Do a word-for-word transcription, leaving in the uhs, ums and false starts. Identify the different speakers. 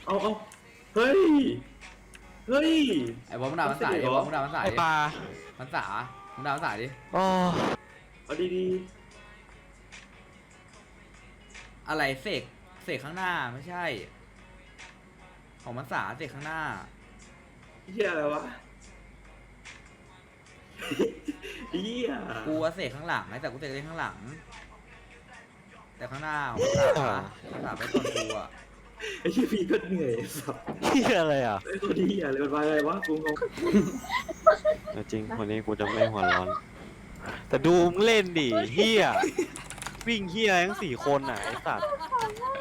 Speaker 1: เอาเอาเฮ้ยเฮ้ย
Speaker 2: ไอ้บอลมึงด่ามันสายดิบอลมึงด่ามันสาย
Speaker 3: ไอ
Speaker 2: ดิ
Speaker 3: ปลา
Speaker 2: มันสามึงด่ามันสายดิ
Speaker 3: โอ้
Speaker 1: เอาดี
Speaker 2: อะไรเสกเสกข้างหน้าไม่ใช่ ของมันสาเสกข้างหน้า
Speaker 1: ๆเหี้ยอะไรวะเหี้ย
Speaker 2: กูว่าเสกข้างหลังไอ้แต่กูเสกเล่นข้างหลัง แต่ข้างหน้าของมันสามันสาไปก่อนกูอ่ะ
Speaker 1: ไอ้เหี้ยพี่ก็เหนื่อยสับ
Speaker 3: เฮียอะไรอ่ะ
Speaker 1: ไอ้ตัวเหี้ยอะไรมันมาอะไรวะกูงง
Speaker 4: จริงวันนี้กูจะไม่หัวร้อน
Speaker 3: แต่ดูมึงเล่นดิเฮียวิ่งเฮียทั้งสี่คนอ่ะไอสัตว์
Speaker 5: ขอโทษ